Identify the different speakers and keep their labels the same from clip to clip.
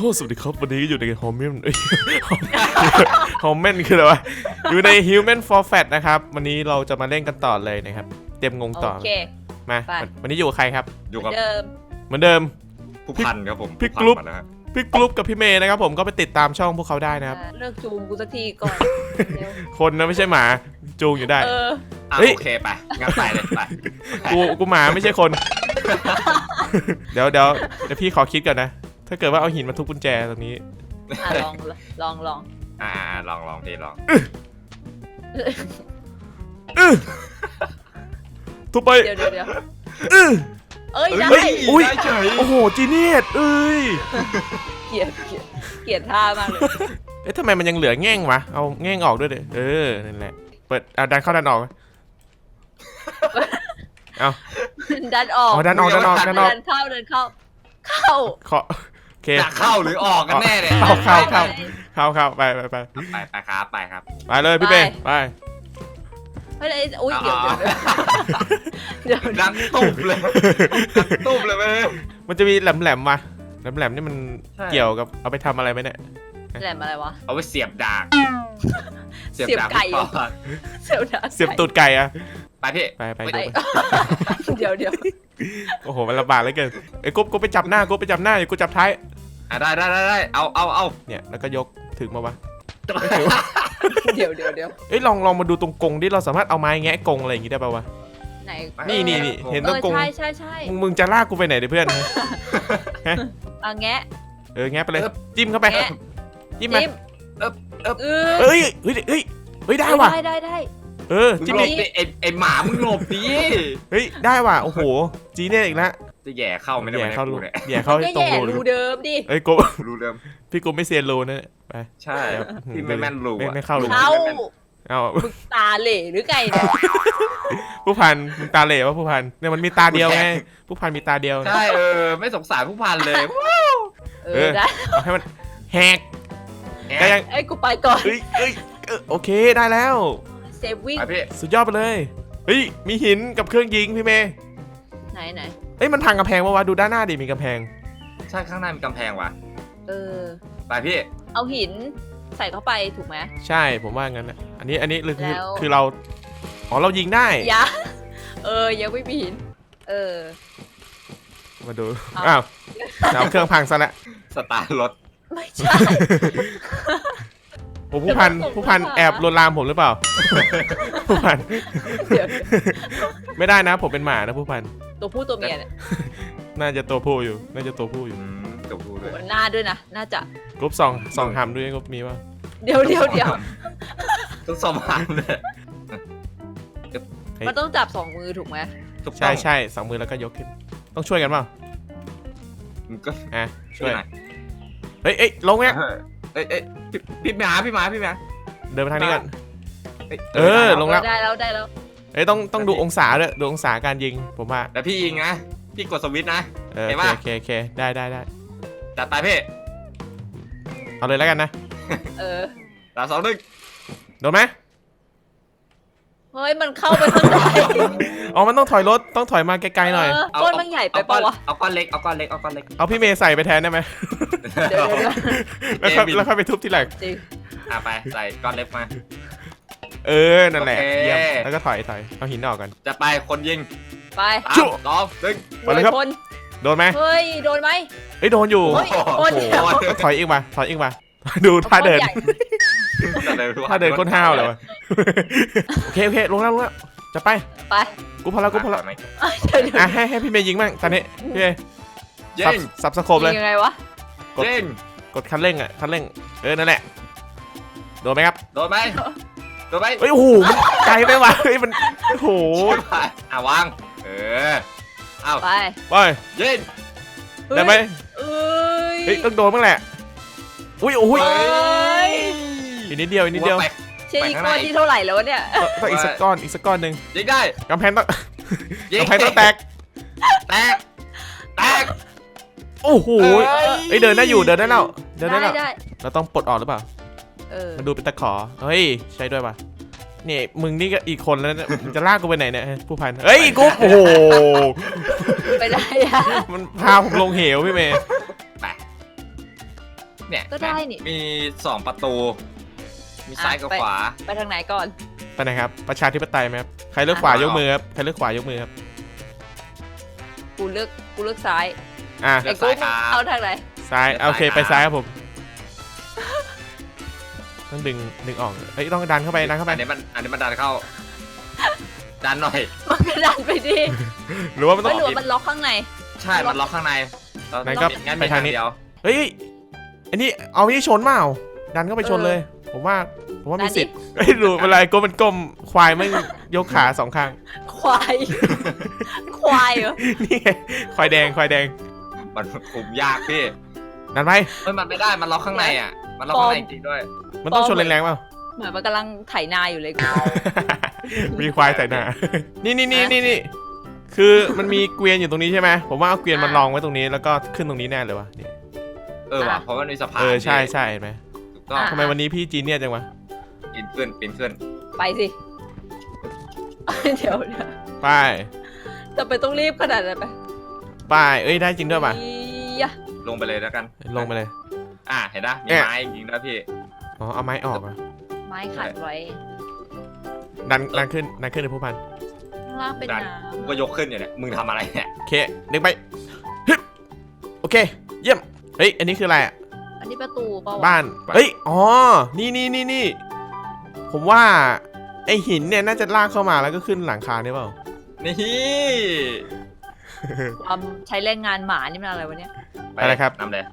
Speaker 1: สวัสดีครับวันนี้อยู่ในฮอมเมนฮอมเมนคืออะไรวะอยู่ใน Human for Fat นะครับวันนี้เราจะมาเล่นกันต่อเลยนะครับเตรียมงงต่อ
Speaker 2: โอเค
Speaker 1: มาวันนี้อยู่กับใครครับ
Speaker 3: อยู่กับ
Speaker 2: เดิม
Speaker 1: เหมือนเดิม
Speaker 3: ผู้พันครับผม
Speaker 1: พี่กรุ๊ป
Speaker 3: ผู้พันมาแล้วฮะ
Speaker 1: พี่กรุ๊ปกับพี่เมย์นะครับผมก็ไปติดตามช่องพวกเขาได้นะครับ
Speaker 2: เลิกจูงกูสักทีก่อนเร็ว
Speaker 1: คนนะไม่ใช่หมาจูงอยู่ได้
Speaker 3: อ่ะ
Speaker 1: เฮ้ย
Speaker 3: โอเคไปงั้นไปเลยไป
Speaker 1: กูหมาไม่ใช่คน เดี๋ยวพี่ขอคิดก่อนนะถ้าเกิดว่าเอาหินมาทุบกุญแจตรงนี้
Speaker 2: ลองลอง
Speaker 3: อ่าลองพี่ลอง
Speaker 1: ทุบไป
Speaker 2: เดี๋ยว
Speaker 1: อื้อ
Speaker 2: เอ้ยได้
Speaker 1: เฮ้ยอุ๊ย
Speaker 3: ได้เฉย
Speaker 1: โอ้โหจีเนียสเอ้ย
Speaker 2: เกลียดท่ามากเลย
Speaker 1: เอ๊ะทำไมมันยังเหลือแง่งวะเอาแง่งออกด้วยดินั่นแหละเปิดดันเข้าดันออกเอา
Speaker 2: ดันออก
Speaker 1: ดันออก
Speaker 2: เดินเข้า
Speaker 1: ขอโอเค
Speaker 3: จะเข้าหรือออกกันแน่เนี่ย
Speaker 1: เข้าไปไปครับ
Speaker 3: ไปครับ
Speaker 1: ไปเลยพี่เป้ไป
Speaker 2: เฮ้ยอุ้ยเดี๋ยว
Speaker 3: ดังตุบเลยตุบเลยเว้ย
Speaker 1: มันจะมีแหลมมาแหลมนี่มัน
Speaker 3: ใช่
Speaker 1: เกี่ยวกับเอาไปทำอะไรไหมเนี่ย
Speaker 2: แหลมอะไรวะ
Speaker 3: เอาไว้เสียบดาบ
Speaker 2: เสียบไก่
Speaker 3: พี่ปอ
Speaker 2: เสียบดาบ
Speaker 1: เสียบตูดไก่อะ
Speaker 3: ไปพี่
Speaker 1: ไป
Speaker 2: ไป
Speaker 1: ดู
Speaker 2: เดี๋ยว
Speaker 1: โอ้โหมันลำบากเหลือเกินไอ้กูไปจับหน้ากูไปจับหน้าอย่ากูจับท้าย
Speaker 3: อ่ะได้เอา
Speaker 1: เนี่ยแล้วก็ยกถึงมาวะ
Speaker 2: เดี๋ยว
Speaker 1: เอ้ยลองมาดูตรงกรงดิเราสามารถเอาไม้แงะกรงอะไรอย่างงี้ได้ป่าวะ
Speaker 2: ไหน
Speaker 1: นี่เห็นตรงกรง
Speaker 2: ใช่
Speaker 1: มึงจะลากกูไปไหนดิเพื่อนฮะ
Speaker 2: แงะ
Speaker 1: แงะไปเลยจิ้มเข้าไปจิ้มมา
Speaker 2: จิ้มเอ
Speaker 1: เอ้ยได้ว่ะ
Speaker 2: ได้
Speaker 1: จิ้ม
Speaker 3: หล
Speaker 1: อี
Speaker 3: บ
Speaker 1: ก
Speaker 3: ดิไอหมามึงหลบดิ
Speaker 1: เฮ้ยได้ว่ะโอ้โหจีเนี่ยอีกแล้ว
Speaker 3: จะแย่เข้าไม่ได้
Speaker 1: แย่
Speaker 3: ไหม
Speaker 1: เข้ารู
Speaker 3: กูเนี่ย
Speaker 1: แย่เข้าให้ตรง
Speaker 2: แย่
Speaker 1: รู
Speaker 2: รูเดิมดิ
Speaker 1: เอ้ยกู
Speaker 3: รู้เรื่อง
Speaker 1: พี่กูไม่เซียนรูนะไป
Speaker 3: ใช่พี่ไม่แม่นรู้อะ
Speaker 1: ไม่เข้ารู
Speaker 2: เข้า
Speaker 1: เอา
Speaker 2: มึงตาเหล่หรือไงเนี่ย
Speaker 1: ผู้พันมึงตาเหล่วะผู้พันเนี่ยมันมีตาเดียวไงผู้พันมีตาเดียว
Speaker 3: ใช่ไม่สงสารผู้พันเลย
Speaker 2: ได้
Speaker 1: เอาให้มันแหกได้ยัง
Speaker 2: เอ้ยกูไปก่อน
Speaker 1: โอเคได้แล้ว
Speaker 2: เซฟวิ่ง
Speaker 3: ไปพี่
Speaker 1: สุดยอดไปเลยเฮ้ยมีหินกับเครื่องยิงพี่เมย์
Speaker 2: ไหน
Speaker 1: เอ้ยมันพังกำแพงปะวะดูด้านหน้าดิมีกำแพง
Speaker 3: ใช่ข้างหน้ามีกำแพงว่ะ ไปพี่
Speaker 2: เอาหินใส่เข้าไปถูกไหม
Speaker 1: ใช่ผมว่างั้นนะอันนี้คือ
Speaker 2: แล้ว
Speaker 1: คือเราเรายิงได้
Speaker 2: ยังยังไม่มีหิน
Speaker 1: มาดู
Speaker 2: เอา
Speaker 1: อ้าวเอาเครื่องพังซะแล้ว
Speaker 3: สตาร์ทรถ
Speaker 2: ไม่ใช่
Speaker 1: โอ้ผู้พัน
Speaker 2: เดี๋ยว
Speaker 1: ผู้พัน
Speaker 2: ผม
Speaker 1: แอบลวนลามผมหรือเปล่า ผู้พัน
Speaker 2: เดี๋ยว
Speaker 1: ไม่ได้นะผมเป็นหมานะผู้พัน
Speaker 2: ตัวผู้ตัวเมียเนี่ย
Speaker 1: น่าจะตัวผู้อยู่น่าจะตัวผู้อยู่
Speaker 3: จบดูด้วย
Speaker 2: หน้าด้วยนะน่าจะ
Speaker 1: กรุ๊ปสองหำด้วยกรุ๊ปมีป่ะ
Speaker 2: เดี๋ยว
Speaker 3: ต้องสมานเลย
Speaker 2: มันต้องจับ2 มือถูกไหม
Speaker 3: ถูกต้
Speaker 1: ใช่
Speaker 3: อง
Speaker 1: สองมือแล้วก็ยกขึ้น ต้องช่วยกันเปล่า
Speaker 3: มึงก็
Speaker 1: ช่วย
Speaker 3: หน่อย
Speaker 1: เฮ้ยลงเนี่ย
Speaker 3: เอ้ยพี่หมา
Speaker 1: เดินไปทางนี้ก่อน
Speaker 3: เอ้ย
Speaker 1: ลงแล้ว
Speaker 2: ได้แล้ว
Speaker 1: เอ้ยต้องดูองศาด้วยดูองศาการยิงผมว่า
Speaker 3: แล้วพี่ยิงนะพี่กดสวิตช์นะ เห็นปะ
Speaker 1: โอเคได้
Speaker 3: จัดไปพี่
Speaker 1: เอาเลยแล้วกันนะ
Speaker 3: 3 2 1
Speaker 1: โดนไหม
Speaker 2: เฮ้ยมันเข้าไปข้างใน
Speaker 1: อ๋อมันต้องถอยรถต้องถอยมาไกลๆหน่อย
Speaker 2: ก้นมันใหญ่ไปปะวะ
Speaker 3: เอาก้อนเล็ก
Speaker 1: เอาพี่เมย์ใส่ไปแทนได้ไหม
Speaker 2: เดี๋ยว
Speaker 1: แล้วค่อยไปทุบทีหลัง
Speaker 2: จริง
Speaker 3: ไปใส่ก้อนเล็กมา
Speaker 1: นั่นแหละ
Speaker 3: โอเค
Speaker 1: เยี่ยมแล้วก็ถอยเอาหินออกกัน
Speaker 3: จะไปคนยิง
Speaker 2: ไป
Speaker 3: 3 2 1
Speaker 1: ไปเลยครับ
Speaker 2: คน
Speaker 1: โดนไหม
Speaker 2: เฮ้ยโดนไหม
Speaker 1: เอ้ยโดนอยู่
Speaker 2: เฮ้ยคน
Speaker 1: โอ้
Speaker 2: เดียว
Speaker 1: โหถอยอีกมาดูท่าเดิน ถ้าเดินคนห้าวเลยวะโอเคลงแล้วจะไป
Speaker 2: ไป
Speaker 1: กูพอแล้ว
Speaker 2: เดี๋ยว
Speaker 1: ให้พี่เมย์ยิงบ้างตอนนี้พี่เมย์
Speaker 3: ยิง
Speaker 1: สับสโคปเลย
Speaker 2: ยังไงวะ
Speaker 3: ยิง
Speaker 1: กดคันเร่งนั่นแหละโดนไหมครับ
Speaker 3: โดนไหม
Speaker 1: เฮ้ยโอ้โหมันไกลไปว่ะเฮ้ยมันโอ้โห
Speaker 3: วางเอา
Speaker 2: ไป
Speaker 3: ยิง
Speaker 1: ได้ไหม
Speaker 2: เอ้ย
Speaker 1: เฮ้ยต้องโดนบ้างแหละอุ้ยอีกนิดเดียว
Speaker 2: เชียร์อีกคนที่เท่าไหร่แล้วเนี่ย
Speaker 1: ต้องอีกสักก้อนหนึ่ง
Speaker 3: ยิงได้
Speaker 1: กำแพงต้อง
Speaker 3: ยิง
Speaker 1: กำแพงต้องแตก โอ้โหเดินได้อยู่เดินได้แล้ว
Speaker 2: ได้
Speaker 1: เราต้องปลดออกหรือเปล่า มันดูเป็นตะขอเฮ้ยใช่ด้วยป่ะนี่มึงนี่ก็อีกคนแล้วเนี่ยมึงจะลากกูไปไหนเนี่ยผู้พันเฮ้ยกูโอ้โห
Speaker 2: ไปได้อะ
Speaker 1: มันพาผมลงเหวพี่เมย์
Speaker 3: เนี่ย
Speaker 2: ก็ได้นี่
Speaker 3: มี2ประตู มีซ้ายกับขวา
Speaker 2: ไปทางไหนก่อน
Speaker 1: ไปไหนครับประชาธิปไตยไหมครับใครเลือกขวายกมือครับใครเลือกขวายกมือครับ
Speaker 2: กูเลือกซ้าย
Speaker 1: อ่ะ
Speaker 3: เลื
Speaker 2: ไอ้
Speaker 3: อก
Speaker 2: กู
Speaker 3: ซ้ายครับ
Speaker 2: เอาทางไหน
Speaker 1: ซ้าย
Speaker 3: เลือกซ้าย
Speaker 1: โอเค
Speaker 3: ครับ
Speaker 1: ไปซ้ายครับผมต้องดึงออกเฮ้ยต้องดันเข้าไปดันเข้าไป
Speaker 3: อันนี้มันดันเข้า ดันหน่อย
Speaker 2: มันก็ดันไปดิ
Speaker 1: หรือว่ามันต้
Speaker 2: ไม่
Speaker 1: อง
Speaker 2: หรือว่ามันล็อกข้างใน
Speaker 3: ใช่ มันล็อกข้างในเรา
Speaker 1: ไหนก็
Speaker 3: งั้น
Speaker 1: ไป
Speaker 3: มี
Speaker 1: ทางนี้
Speaker 3: เดียว
Speaker 1: เฮ้ยอันนี้เอาที่ชนเปล่าดันเข้าไปชนเลย ผมว่ามีสิทธิ์เฮ้ยดูเวลาก้มมันก้มควายไม่ยกขา2ข้าง
Speaker 2: ควาย ควายเหรอ
Speaker 1: นี่ไงควายแดง
Speaker 3: มันคุมยากพี่
Speaker 1: ดันไป
Speaker 3: เฮ้ยมันไม่ได้ มันล็อกข้างในอ่ะ มันล็อกข้างในจริงๆด้วย
Speaker 1: มันต้องชนแรงๆเปล่า
Speaker 2: เหมือนมันกำลังไถนาอยู่เลยกู
Speaker 1: มีควายใส่หน้า นี่คือมันมีเกวียนอยู่ตรงนี้ใช่ไหมผมว่าเอาเกวียนมันรองไว้ตรงนี้แล้วก็ขึ้นตรงนี้แน่เลยวะนี่
Speaker 3: ว่ะ เพราะมันมีสะพาน
Speaker 1: ใช่เห็นไหม
Speaker 3: ถูกต้อง
Speaker 1: ทำไมวันนี้พี่จีเนียสจังวะ
Speaker 3: ปีนขึ้น
Speaker 2: ไปสิเดี๋ยว
Speaker 1: ไป
Speaker 2: จะไปต้องรีบขนาดนั้นไป
Speaker 1: ไปเอ้ยได้จริงด้วยป่ะ
Speaker 2: อียะ
Speaker 3: ลงไปเลยแล้วกัน
Speaker 1: ลงไปเลย
Speaker 3: เห็นปะมีไม้จริงๆนะพี่
Speaker 1: อ๋อเอาไม้ออกอ่ะ
Speaker 2: ไม้ขัดไว้
Speaker 1: ดันขึ้นในผู้พัน
Speaker 2: ข้างล่างเป็นน้
Speaker 3: กูก็ยกขึ้นอยู่เนี่ย มึงทำอะไรเนี่ย
Speaker 1: โอเคดึงไปฮึบโอเคเยี่ยมเฮ้ยอันนี้คืออะไรอ่ะ
Speaker 2: ำอันนี้ประตูเปล่าวะ
Speaker 1: บ้านเฮ้ยอ๋อนี่ผมว่าไอหินเนี่ยน่าจะลากเข้ามาแล้วก็ขึ้นหลังคาได้เปล่า
Speaker 3: นี่
Speaker 2: ความใช้แรงงานหมานี่มันอะไรวะเนี่ย
Speaker 1: อะไรครับ
Speaker 3: นำเลย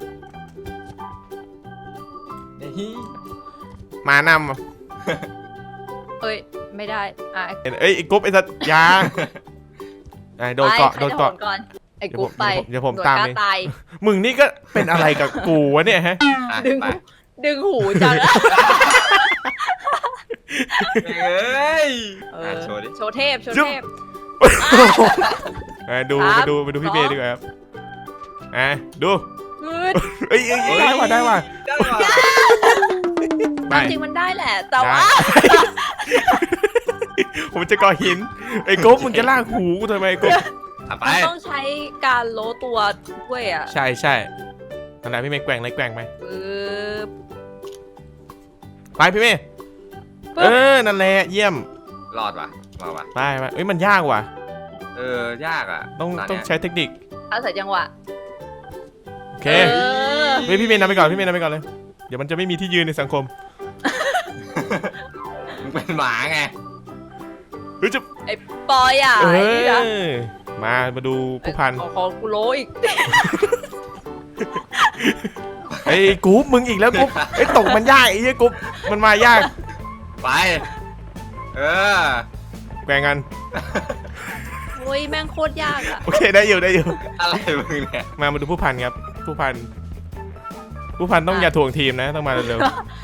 Speaker 3: นี่
Speaker 1: มานำ
Speaker 2: เอ้ยไม่ได้
Speaker 1: เอ้ยไอ้กรุ๊ปไอ้สัตว์ยาโดนเกาะ
Speaker 2: ไป
Speaker 1: โดนเกาะ
Speaker 2: ใครจะโหนก่อนไอ้กูไป
Speaker 1: เดี๋ยวผม
Speaker 2: หน่วย
Speaker 1: ตาม
Speaker 2: กล้
Speaker 1: เอง
Speaker 2: ตาย
Speaker 1: มึงนี่ก็เป็นอะไรกับกูวะเนี่ยฮะ
Speaker 2: ดึง
Speaker 3: ไป
Speaker 2: ดึงหูจังอะ
Speaker 3: เอ้ย โชว์ดิ
Speaker 2: โชว์เทพ
Speaker 1: ดู
Speaker 2: สาม
Speaker 1: ไปดูพี่เบย์ดีกว่าครับดู
Speaker 2: งืด
Speaker 1: เอ้ยได้ว่ะ
Speaker 3: ได้ว่ะ
Speaker 1: ไป
Speaker 2: จริงมันได้แหละ แต่ว่า
Speaker 1: ผมจะก่อหินไอ้กรุ๊ปมึงจะลากหูกูทำไมกรุ๊ป
Speaker 3: ไป
Speaker 2: มันต้องใช้การโลตัวด้วยอ่ะ
Speaker 1: ใช่นั่นแหละพี่เมย์แกว่งเลยแกว่งไป
Speaker 2: ปึ๊บ
Speaker 1: ไปพี่เมย์
Speaker 2: ปึ๊บ
Speaker 1: นั่นแหละเยี่ยม
Speaker 3: รอดว่ะมาว่ะ
Speaker 1: ไปเอ้ยมันยากว่ะ
Speaker 3: ยากอ่ะ
Speaker 1: ต้องใช้เทคนิค
Speaker 2: อาศัยจังหวะ
Speaker 1: โอเค
Speaker 2: เออ
Speaker 1: เฮ้ยพี่เมย์นำไปก่อนเลย เดี๋ยวมันจะไม่มีที่ยืนในสังคม
Speaker 3: มึงเป็นหมาไง
Speaker 1: เฮ้ยจะ
Speaker 2: ไอ้ปอยอ่ะ
Speaker 1: เอ
Speaker 2: ไอ้นี่นะ
Speaker 1: มาดูผู้พัน
Speaker 2: ของกูโลอีก
Speaker 1: ไอ้กรุ๊ปมึงอีกแล้วกรุ๊ปไอ้ตกมันยากไอ้เหี้ยกรุ๊ปมันมายาก
Speaker 3: ไป
Speaker 1: แกว่งกัน
Speaker 2: โอ้ยแม่งโคตรยากอ่ะ
Speaker 1: โอเคได้อยู่
Speaker 3: อะไรมึงเนี่ย
Speaker 1: มาดูผู้พันครับผู้พันต้องอย่าถ่วงทีมนะต้องมาเร็ว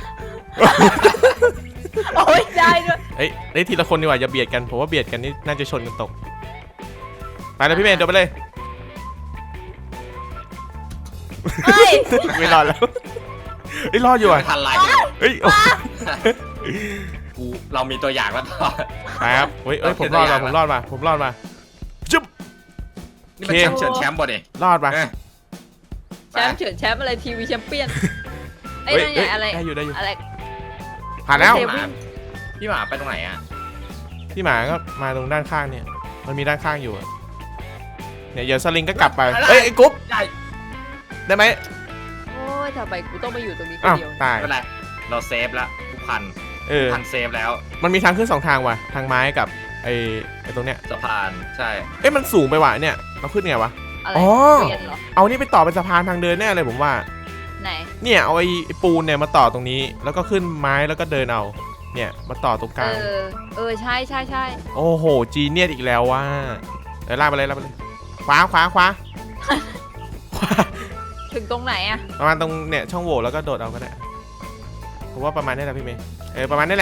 Speaker 2: โอ้ยได้ด้วย
Speaker 1: ๆเอ้ยได้ทีละคนดีกว่าอย่าเบียดกันผมว่าเบียดกันนี่น่าจะชนกันตกไปเลยพี่เมย์เดี๋ยวไปเลย
Speaker 2: เฮ้ย
Speaker 1: ไม่รอดแล้วเฮ้ยรอดอยู่อ่ะ
Speaker 3: ไม่ทันไร
Speaker 1: เฮ้ยโอ้
Speaker 3: เรามีตัวอย่างแล้วต่อ
Speaker 1: ไปครับเฮ้ยผมรอดมาจุ๊บ
Speaker 3: นี่มัน
Speaker 1: โอเค
Speaker 3: แชมป์เฉินแชมป์บ่ดิ
Speaker 1: รอดมา
Speaker 2: แชมป์เฉินแชมป์อะไรทีวีแชมเปี้ยนไอ้
Speaker 1: เฮ้ย
Speaker 2: นั่นไงอะไร
Speaker 1: ได้อยู่
Speaker 2: อะไร
Speaker 1: ผ่านแล้ว
Speaker 2: โอเค
Speaker 3: พี่หมาไปตรงไหนอ่ะ
Speaker 1: พี่หมาก็มาตรงด้านข้างเนี่ยมันมีด้านข้างอยู่อะเนี่ยเดี๋ยวสลิงก็กลับไปเอ้ยไอ้กุ๊บ
Speaker 3: ใช่
Speaker 1: ได้ไหม
Speaker 2: โอ้ยทำไมกูต้องมาอยู่ตรงนี้คน
Speaker 1: อ้าว
Speaker 2: เดียว
Speaker 1: ตาย
Speaker 3: ไม่เป็นไรเราเซฟแล้วทุกพันเซฟแล้ว
Speaker 1: มันมีทางขึ้น2ทางว่ะทางไม้กับไอ้ตรงเนี้ย
Speaker 3: สะพานใช่
Speaker 1: เอ้ยมันสูงไปว่ะเนี่ยเราขึ้นไงวะ
Speaker 2: อะไร
Speaker 1: อ๋อ
Speaker 2: เปลี่ยนเหรอ
Speaker 1: เอานี่ไปต่อเป็นสะพานทางเดินแน่เลยผมว่า
Speaker 2: ไหน
Speaker 1: เนี่ยเอาไอ้ปูนเนี่ยมาต่อตรงนี้แล้วก็ขึ้นไม้แล้วก็เดินเอาเนี่ยมาต่อตรงกลาง
Speaker 2: ใช่
Speaker 1: โอ้โหจีเนียสอีกแล้วว่ะลากไปเลยขวา
Speaker 2: ถึงตรงไหนอะ
Speaker 1: ประมาณตรงเนี่ยช่องโหว่แล้วก็โดดเอาก็ได้ผมว่าประมาณนี้แหละพี่เมย์ประมาณนี้แหละ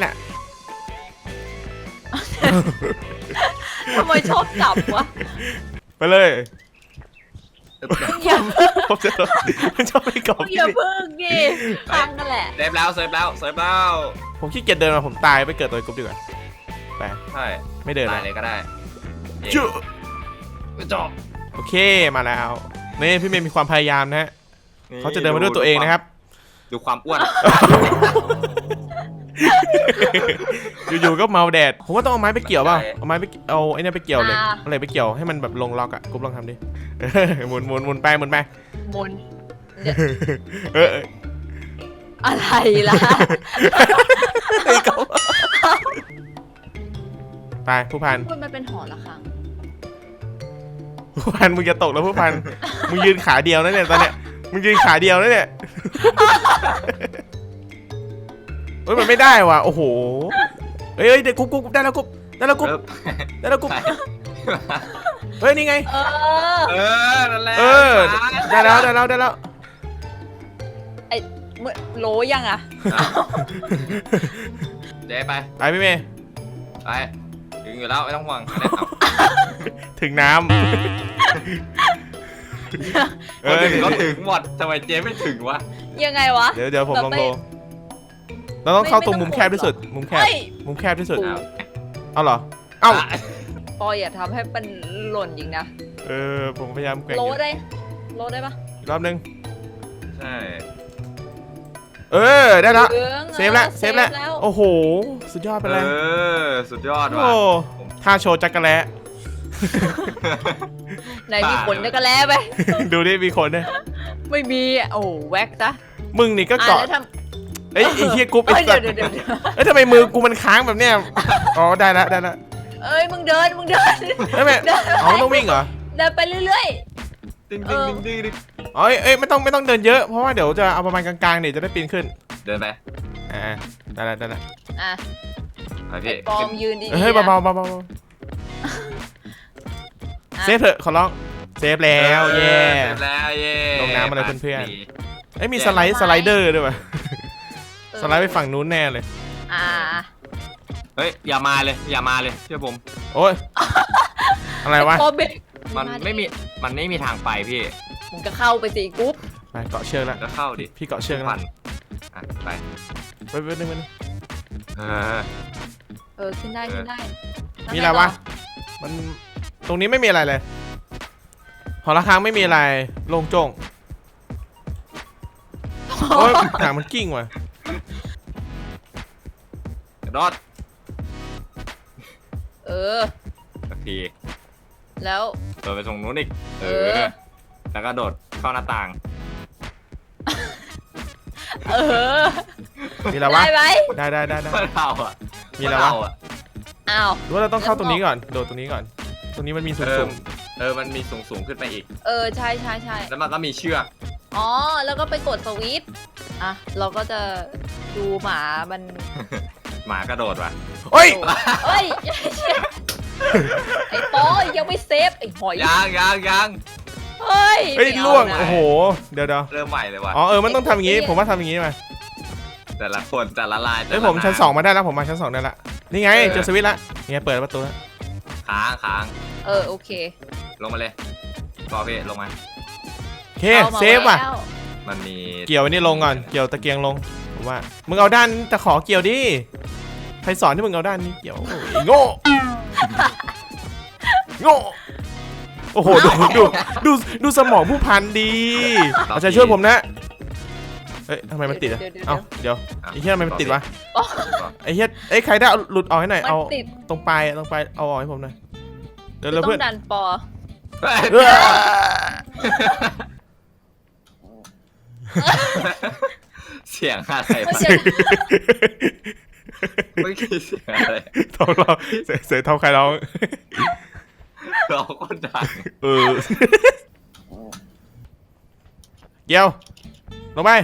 Speaker 2: ทำไมชอบจับวะ
Speaker 1: ไปเลย
Speaker 2: อย่า
Speaker 1: ผมจะมันชอบไปกรอบ
Speaker 2: อย่าพึ่งดิพังกันแหละ
Speaker 3: เซฟแล้ว
Speaker 1: ผมขี้เกียจเดินมาผมตายไปเกิดตัวกรุ๊ปดีกว่าไป
Speaker 3: ใช่
Speaker 1: ไม่เดิน
Speaker 3: ได้
Speaker 1: นะ
Speaker 3: เลยก็ได้
Speaker 1: จุ๊
Speaker 3: จบ
Speaker 1: โอเคมาแล้วนี่พี่เมย์มีความพยายามนะฮะเขาจะเดินมาด้วยตัวเองนะครับ
Speaker 3: ดูความอ้วน
Speaker 1: อยู่ๆก็เมาแดดผมว่าต้องเอาไม้ไปเกี่ยวเปล่าเอาไม้ไปเอาไอ้นี่ไปเกี่ยวเลยอะไรไปเกี่ยวให้มันแบบลงล็อกอ่ะกุ๊บลองทำดิหมุนไป
Speaker 2: หมุนอะไรล่ะ
Speaker 1: ไปผู้พัน
Speaker 2: มันเป็นหอระฆัง
Speaker 1: ผู้พันมึงจะตกแล้วผู้พันมึงยืนขาเดียวนะเนี่ยตอนเนี้ยมึงยืนขาเดียวนะเนี่ยเฮ้ยมันไม่ได้ว่ะโอ้โหเฮ้ยเดี๋ยวกุ๊บได้แล้วกุ๊บได้แล้วกุ๊บเฮ้ยนี่ไง
Speaker 3: นั่นแหละ
Speaker 1: ได้แล้ว
Speaker 2: ไอ้โหลยังอ่ะ
Speaker 3: เจ๊ไป
Speaker 1: พี่เมย์
Speaker 3: ไปถึงอยู่แล้วไม่ต้องห่วง
Speaker 1: ถึงน้ำ
Speaker 3: ถึงก็ถึงหมดทำไมเจ๊ไม่ถึงวะ
Speaker 2: ยังไงวะ
Speaker 1: เดี๋ยวผมลองดูเราต้องเข้าตรงมุมแคบที่สุดมุมแคบที่สุดเอาเหรอเอ้า
Speaker 2: ปอยอย่าทำให้มันหล่นยิงนะ
Speaker 1: ผมพยายามแกว่ง
Speaker 2: โลได้ปะ
Speaker 1: รอบนึง
Speaker 3: ใช่
Speaker 1: ได้แล้วเซฟแล้วโอ้โหสุดยอดไปเลย
Speaker 3: สุดยอดว่ะ
Speaker 1: ท่าโชว์จักรแล้
Speaker 2: ไหนมีขนจักรแล้ไหม
Speaker 1: ดูดิมีขนเนี่ย
Speaker 2: ไม่มีโอ้แว็กจ้ะ
Speaker 1: มึงนี่ก็เกาะไอ้เฮียกูไป
Speaker 2: เดี๋ยว
Speaker 1: ทำไมมือกูมันค้างแบบเนี้ยอ๋อได้แล้ว
Speaker 2: มึงเดิน
Speaker 1: ไม่ต้องวิ่งเหรอ
Speaker 2: เดินไปเรื่อย
Speaker 3: ดึง
Speaker 1: ไม่ต้องเดินเยอะเพราะว่าเดี๋ยวจะเอาประมาณกลางๆเนี่ยจะได้ปีนขึ้น
Speaker 3: เดินไป
Speaker 1: ได้แล้ว
Speaker 2: ปอมยืนดี
Speaker 1: เฮ้ยเบาเซฟเถอะขอร้องเซฟแล้วเย่ลงน้ำมาเลยเพื่อนๆมีสไลเดอร์ด้วยป่ะสไลด์ไปฝั่งนู้นแน่เลย
Speaker 3: เฮ้ยอย่ามาเลยเชื่อผม
Speaker 1: โอ๊ยอะไรวะ
Speaker 3: มันไม่มีทางไปพี่
Speaker 2: มึงก็เข้าไปสิกุ๊บ
Speaker 1: ไปเกาะเชือกแล้ว
Speaker 3: ก็เข้าดิ
Speaker 1: พี่เกาะเชือกแล้ว
Speaker 3: ไป
Speaker 1: นึง
Speaker 2: ขึ้นได้
Speaker 1: มีอะไรวะมันตรงนี้ไม่มีอะไรเลยหอระฆังไม่มีอะไรโล่งโจ้งโอ้ยหางมันกิ้งว่ะ
Speaker 3: รอดสักที
Speaker 2: แล้ว
Speaker 3: โดดไปตรงนู้นอีกแล้วก็โดดเข้าหน้าต่าง
Speaker 1: มีอะไรวะได้
Speaker 3: เราอ่ะ
Speaker 1: มีอะไรวะ
Speaker 2: อ้าว
Speaker 1: ว่าเราต้องเข้าตรงนี้ก่อนโดดตรงนี้ก่อนตรงนี้มันมีสูง
Speaker 3: มันมีสูงขึ้นไปอีก
Speaker 2: ใช่
Speaker 3: แล้วมันก็มีเชือก
Speaker 2: แล้วก็ไปกดสวิตช์เราก็จะดูหมามัน
Speaker 3: หมากระโดดว่ะ
Speaker 1: เฮ้ย
Speaker 2: ไอ้ปอยังไม่เซฟไอ้หอย
Speaker 3: ยัง
Speaker 2: เฮ้ย
Speaker 1: ล่วงโอ้โหเดี๋ยว
Speaker 3: เริ่มใหม่เลยว่ะ
Speaker 1: มันต้องทำอย่างงี้ผมว่าทำอย่างงี้มา
Speaker 3: แต่ละคนแต่ละลาย
Speaker 1: ผมชั้น2มาได้แล้วผมมาชั้น2ได้ละนี่ไงเจอสวิตช์ละนี่ไงเปิดประตูแล้ว
Speaker 3: ค้าง
Speaker 2: โอเค
Speaker 3: ลงมาเลยรอพี่ลงมา
Speaker 1: โอเคเซฟว่ะ
Speaker 3: มันมี
Speaker 1: เกี่ยวนี่ลงก่อนเกี่ยวตะเกียงลงผมว่ามึงเอาด้านตะขอเกี่ยวดิใครสอนที่มึงเอาด้านนี้เกี่ยวโง่โอ้โหดูสมองผู้พันดีอาจารย์ช่วยผมนะทำไมมันติดอ่ะเดี๋ยวไอ้เหี้ยทำไมมันติดวะไอ้เหี้ยใครได้หลุดออกให้หน่อยเอาตรงปลายเอาออกให้ผมหน่อยเดี๋ยวเพื่อน
Speaker 2: ดันปอ
Speaker 3: เสียงอะไรไม่คิดเสียงอะไร
Speaker 1: ท้องเราเสียงท้องใครร้อง
Speaker 3: เราก็ดัง
Speaker 1: เกี่ยวลงไป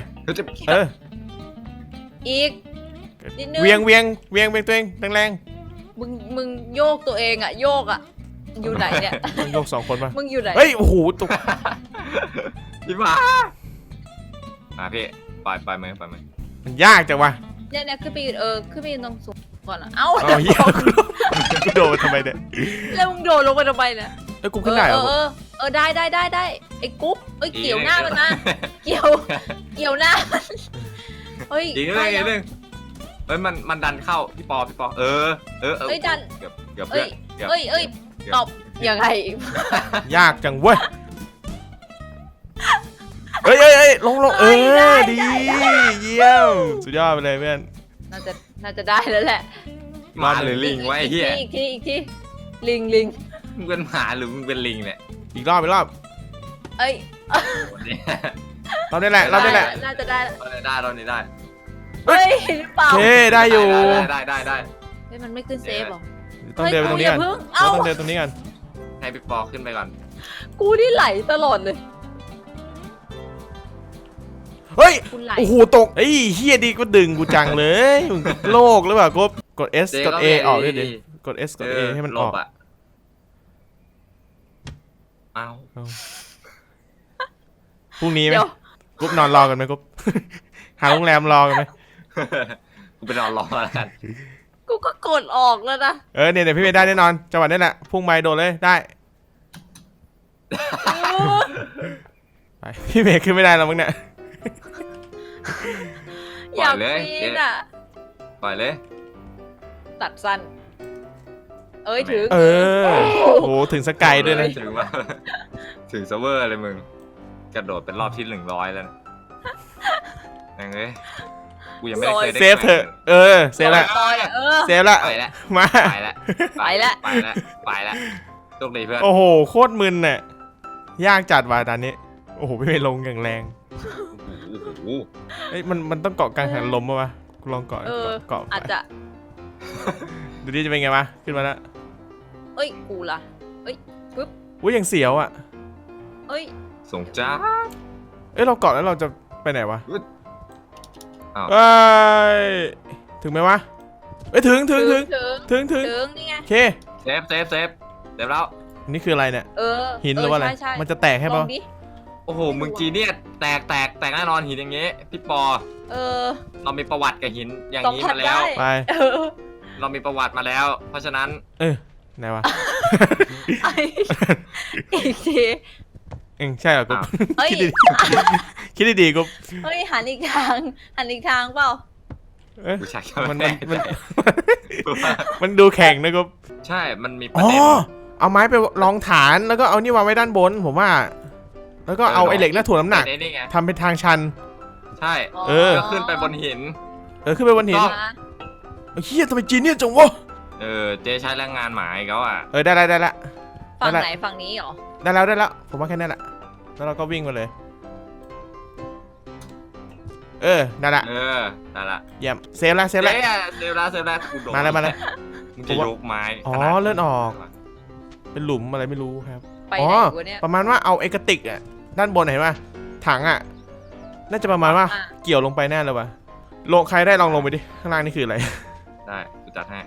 Speaker 2: อีกนิดนึง
Speaker 1: เวียงตัวเองแรง
Speaker 2: มึงโยกตัวเองโยกอยู่ไหนเนี่ย
Speaker 1: มึงโยก2คนป่ะ
Speaker 2: มึงอยู่ไหน
Speaker 1: เฮ้ยโอ้โหตก
Speaker 3: พี่มาพี่ปล่อยมือ
Speaker 1: มันยากจังวะ
Speaker 2: เนี่ยขึ้นไปยืนขึ้นไปยืนตรงสูงก่อนเอ้า
Speaker 1: เหี้ยกูโดดทำไมเนี่ย
Speaker 2: แล้วมึงโดดลงไปทำไมเนี่ย
Speaker 1: กูขึ้นได้เหรอ
Speaker 2: ได้ไอ้กุ๊บเกี่ยวหน้ามันนะเกี่ยวหน้าเฮ้ย
Speaker 3: อีกนึงมันดันเข้าพี่ปอดันเกือบ
Speaker 2: ตบยังไง
Speaker 1: ยากจังเว้ยเอ้ยลงเอ
Speaker 2: ได้
Speaker 1: อ
Speaker 2: ได้
Speaker 1: ดี
Speaker 2: ได้
Speaker 1: เยี่ยมสุดยอดไปเลยเพื่อน
Speaker 2: น่าจะได้แล้วแหละ
Speaker 3: หมาหรือลิงวะไอ้เหี้ย
Speaker 2: อีกทีลิง
Speaker 3: มึงเป็นหมาหรือมึงเป็นลิงเนี่ย
Speaker 1: อีกรอบ
Speaker 2: เอ้ย
Speaker 1: เราได้แหละ
Speaker 2: น่าจะได้
Speaker 3: เรานี้ได้
Speaker 1: เฮ้
Speaker 2: เฮ้
Speaker 1: ย
Speaker 2: ยหรือเปล่า
Speaker 1: โอเคได้อยู่
Speaker 3: ได้
Speaker 2: เฮ้ยมันไม่ขึ้นเซฟหรอ
Speaker 1: ต้องเดินไปตรงนี้ก่อน
Speaker 2: เฮ้ย
Speaker 1: เรา
Speaker 2: กู
Speaker 1: ต้อง
Speaker 2: อย่าเพิ่ง
Speaker 1: เดินตรงนี้ก่อน
Speaker 3: ให้พี่ปอขึ้นไปก่อน
Speaker 2: กูนี่ไหลตลอดเลย
Speaker 1: เฮ้ย
Speaker 2: กูไหล
Speaker 1: โอ้โหตกเฮ้ยเฮียดีก็ดึงกูจังเลยมึงโลกหรือเปล่ากด S กด A ออกด้วยดิกด S กด A ให้มันออก
Speaker 3: เอา
Speaker 1: พรุ่งนี้ไหม
Speaker 2: เดี๋ยว
Speaker 1: กุ๊บนอนรอกันไหมกุ๊บ หาโรงแรมรอกันไหม
Speaker 3: กูไปนอนรอแล้วกัน
Speaker 2: กูก็กดออกแล้วนะ
Speaker 1: เนี่ยพี่เมย์ได้แน่นอนจังหวะนี้แหละพุ่งไม้โดดเลยได้ไปพี่เมย์ขึ้นไม่ได้แล้วมึงเนี่ย
Speaker 2: อยากปีนอ่ะ
Speaker 3: ปล่อยเลย
Speaker 2: ตัดสั้น เอ้ยถึง
Speaker 1: โอ้โหถึงสกายด้วยนะ
Speaker 3: ถึงว่าถึงเซิร์ฟเวอร์เลยมึงกระโดดเป็นรอบที่100แล้วยังไงกูยังไม่ได้เคยได้
Speaker 1: เซฟเถอะเซฟละ
Speaker 2: ลอย
Speaker 1: เซฟละ
Speaker 3: ไปแล้ว
Speaker 1: มา
Speaker 3: ไปแล้วโชคดีเพื่อน
Speaker 1: โอ้โหโคตรมึนน่ะยากจัดว่ะตอนนี้โอ้โหพี่เมย์ลงอย่างแรง
Speaker 3: โอ้โห
Speaker 1: เอ้ยมันต้องเกาะกลางหันลมป่ะวะกูลองเกาะเกาะ
Speaker 2: อาจจะ
Speaker 1: ดูดิจะเป็นไงวะขึ้นมาแล้ว
Speaker 2: เอ้ยกูล่ะ
Speaker 1: อุ้ยยังเสียวอ่ะ
Speaker 2: เอ้ย
Speaker 3: ส่งจ้า
Speaker 1: เอ้ยเราเกาะแล้วเราจะไปไหนวะ
Speaker 3: อ้าว
Speaker 1: เอ้ยถึงไหมวะเอ้ยถึง
Speaker 2: ถึง นี่ไง
Speaker 1: โอเค
Speaker 3: เซฟแล้ว
Speaker 1: อันนี้คืออะไรเนี่ย หินหรือว่าอะไร
Speaker 2: ใช่
Speaker 1: มันจะแตกให้
Speaker 2: ล
Speaker 1: ป่ะ
Speaker 2: องดิ
Speaker 3: โอ้โหมึงจีเนี่ยแตกแแน่นอนหินอย่างเงี้ยพี่ปอ เรามีประวัติกับหินอย่างนี้มาแล้ว
Speaker 1: ไป
Speaker 3: เรามีประวัติมาแล้ว เพราะฉะนั้น
Speaker 1: ไหนวะ
Speaker 2: อีกที
Speaker 1: ใช่เหรอกุ๊บ
Speaker 2: เฮ้ย
Speaker 1: คิดดีๆกุ๊บ
Speaker 2: เฮ้ยหันอีกทางเปล่า
Speaker 1: เอ้ย
Speaker 3: กูชัก
Speaker 1: มันดูแข็งนะกุ๊บ
Speaker 3: ใช่ มันมีประ
Speaker 1: อ๋อ
Speaker 3: เด็น
Speaker 1: เอาไม้ไปรองฐานแล้วก็เอานี่วางไว้ด้านบนผมว่า แล้วก็เอาไอ้เหล็กน่าถ่วงน้ำหนัก
Speaker 3: นี่ไง
Speaker 1: ทำเป็นทางชัน
Speaker 3: ใช่
Speaker 1: เออ
Speaker 3: ก็ขึ้นไปบนหิน
Speaker 1: ขึ้นไปบนหิน
Speaker 3: ก็
Speaker 1: เฮียทำไมจีนเนี่ยจังวะ
Speaker 3: เจ๊ใช้แรงงานหมาอีกแล้วอ่ะ
Speaker 1: ได้ละ
Speaker 2: ฝั่งไหนฝั่งนี้เหรอ
Speaker 1: ได้แล้วผมว่าแค่นั้นแหละแล้วเราก็วิ่งไปเลยได้ละ
Speaker 3: ได้ละ
Speaker 1: เยี่ยมเซฟละ
Speaker 3: เซฟแล้วกูโดน
Speaker 1: มาเลย
Speaker 3: มึงจะยกไม้
Speaker 1: อ๋อเลื่อนออก เป็นหลุมอะไรไม่รู้ครับ
Speaker 2: ไป
Speaker 1: อ๋อ
Speaker 2: ไหนกูเนี่ย
Speaker 1: ประมาณว่าเอาไอ้กระติกด้านบนเห็นป่ะถังน่าจะประมาณว่าเกี่ยวลงไปแน่เลยว่ะลงใครได้ลองลงไปดิข้างล่างนี่คืออะไร
Speaker 3: ได้กูจัดให้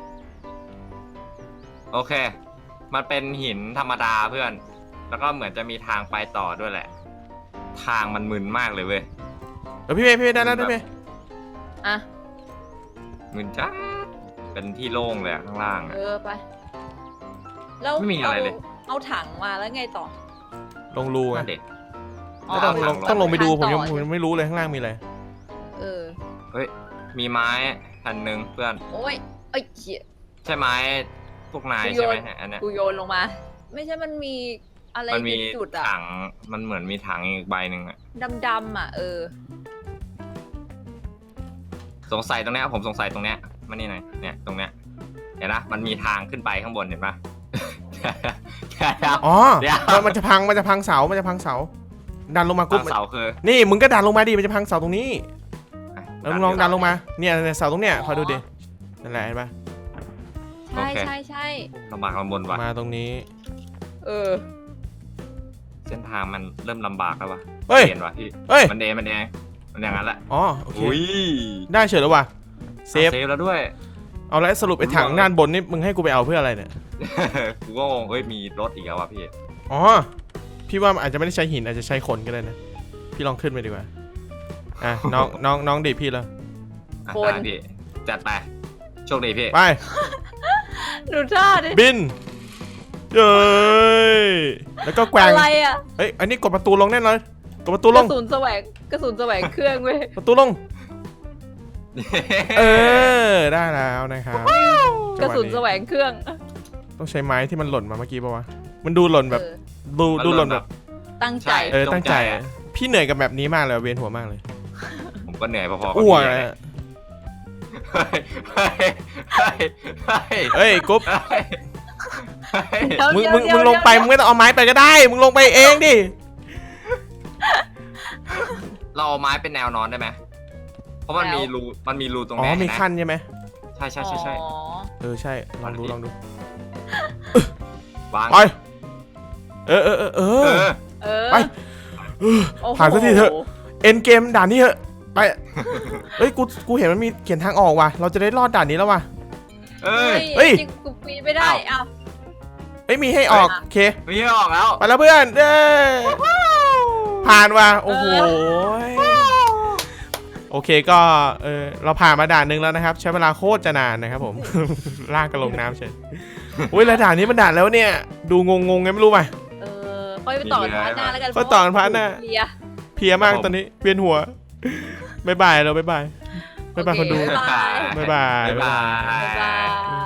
Speaker 3: โอเค มันเป็นหินธรรมดาเพื่อน แล้วก็เหมือนจะมีทางไปต่อด้วยแหละ ทางมันมึนมากเลยเว้ย
Speaker 1: พี่เมย์ได้แล้วพี่เมย์
Speaker 2: อ่ะ
Speaker 3: มึนจ้าเป็นที่โล่งเลยข้างล่าง
Speaker 2: ไปแล้ว
Speaker 3: ไม่มีอะไรเลย
Speaker 2: เอาถังมาแล้วไงต่อ
Speaker 1: ลงรูไง
Speaker 3: เด็ด
Speaker 1: ต้องลงไปดูผมยังไม่รู้เลยข้างล่างมีอะไร
Speaker 3: เฮ้ยมีไม้อันหนึ่งเพื่อน
Speaker 2: โอ้ยเอ้ยเหี้ย
Speaker 3: ใช่ไม้พวกนายใช่ไหมอันเนี้ย
Speaker 2: กูโยนลงมา ไม่ใช่มันมีอะไร
Speaker 3: มันมี
Speaker 2: จุดอะ
Speaker 3: ถังมันเหมือนมีถังอีกใบหนึ่งอะ
Speaker 2: ดำๆอะ
Speaker 3: สงสัยตรงเนี้ยผมสงสัยตรงเนี้ยมันนี่หน่อยเนี่ยตรงเนี้ยเห็นนะมันมีทางขึ้นไปข้างบนเห็นปะ
Speaker 1: อ๋อ
Speaker 3: เดี๋ยว
Speaker 1: มันจะพังเสาดันลงมากุ๊บ
Speaker 3: เสาคือ
Speaker 1: นี่มึงก็ดันลงมาดิมันจะพังเสาตรงนี้แล้วมึงลองดันลงมาเนี่ยเสาตรงเนี้ยคอยดูดินั่นแหละเห็นปะ
Speaker 2: ใช่
Speaker 3: ลำบากลำบนว่ะ
Speaker 1: มาตรงนี้
Speaker 3: เส้นทางมันเริ่มลำบากแล้วว่ะ
Speaker 1: เฮ้ย
Speaker 3: เห็นว่ะพี่
Speaker 1: เฮ้ย
Speaker 3: มันอย่างนั้นแหละ
Speaker 1: อ๋อโอเค
Speaker 3: อุ้ย
Speaker 1: ได้เฉยแล้วว่ะเซฟ
Speaker 3: แล้วด้วย
Speaker 1: เอาแล้วสรุปไอ้ถังด้านบนนี่มึงให้กูไปเอาเพื่ออะไรเนี่ย
Speaker 3: กูก็งงเฮ้ยมีรถอีกแล้วว่ะพี่
Speaker 1: อ๋อพี่ว่ามันอาจจะไม่ได้ใช้หินอาจจะใช้คนก็ได้นะพี่ลองขึ้นไปดีกว่าน้องดีพี่แล้ว
Speaker 3: ได้พี่จัดไปโชคดีพี่
Speaker 1: ไป
Speaker 2: ดูท่าดิ
Speaker 1: บินเย้ยแล้วก็แกว่ง
Speaker 2: อะไรอะ
Speaker 1: เฮ้ยอันนี้กดประตูลงแน่นอนกดประตูล
Speaker 2: ก
Speaker 1: ง
Speaker 2: ระสุนแสวงเครื่องเว้ย
Speaker 1: ประตูลงได้แล้วนะครับ
Speaker 2: กระสุนแสวงเครื่อง
Speaker 1: ต้องใช้ไม้ที่มันหล่นมาเมื่อกี้ป่าวะมันดูหล่นแบบดูหล่นแบบ
Speaker 2: ตั้งใจ
Speaker 1: ตั้งใจพี่เหนื่อยกับแบบนี้มากเลยเวียนหัวมากเลย
Speaker 3: ผมก็เหนื่อยพอๆกับ
Speaker 1: อ้วก
Speaker 3: พี่
Speaker 1: เล
Speaker 3: เลย
Speaker 1: ย
Speaker 3: เฮ้ย
Speaker 1: เอ้ยกุ๊บ
Speaker 2: เดี๋ยว
Speaker 1: มึง
Speaker 2: เดี๋ยว
Speaker 1: ลงไปมึงไม่ต้องเอาไม้ไปก็ได้มึงลงไปเองดิ
Speaker 3: เราเอาไม้เป็นแนวนอนได้ไหมเพราะมันมีรูตรง
Speaker 1: อ๋อ
Speaker 3: นี้
Speaker 1: มี
Speaker 3: นะ
Speaker 1: ขั้นใช่ไหม
Speaker 3: ใช่ใช่
Speaker 2: อ๋อ
Speaker 1: เออใช่ลองดู
Speaker 3: วาง
Speaker 1: ไปเออ
Speaker 2: เออ
Speaker 1: ไป
Speaker 2: โอ้โห
Speaker 1: ผ่านสักทีเถอะ เอ็นเกมด่านนี้เหอะไปเฮ้ยกูเห็นมันมีเขียนทางออกว่ะเราจะได้รอดด่านนี้แล้วว่ะ
Speaker 3: เอ้ย
Speaker 1: เฮ้ย
Speaker 2: จริงกูปีนไม่ได้อ้าว
Speaker 1: เอ้ยมีให้ออกโอเค
Speaker 3: ไม่ให้ออกแล้ว
Speaker 1: ไปแล้วเพื่อนเด้ผ่านว่ะโอ้โหโอเคก็เราผ่านมาด่านหนึงแล้วนะครับ ใช้เวลาโคตรจะนานนะครับผม ลากกันลงน้ำเฉยอุ้ยแล้วด่านนี้มันด่านแล้วเนี่ยดูงงไงไม่รู้ป่ะ
Speaker 2: ค่อยไปต่อกันพาร์ทหน้าแล้วกัน
Speaker 1: ค่อยต่อกันพาร์ทหน้า
Speaker 2: เพลีย
Speaker 1: เพลียมากตอนนี้เวียนหัวบ๊ายบายเราบ๊ายบายคนดู
Speaker 2: โอเคบ๊ายบาย
Speaker 1: บ๊ายบาย
Speaker 3: บ๊ายบาย
Speaker 2: บ๊ายบาย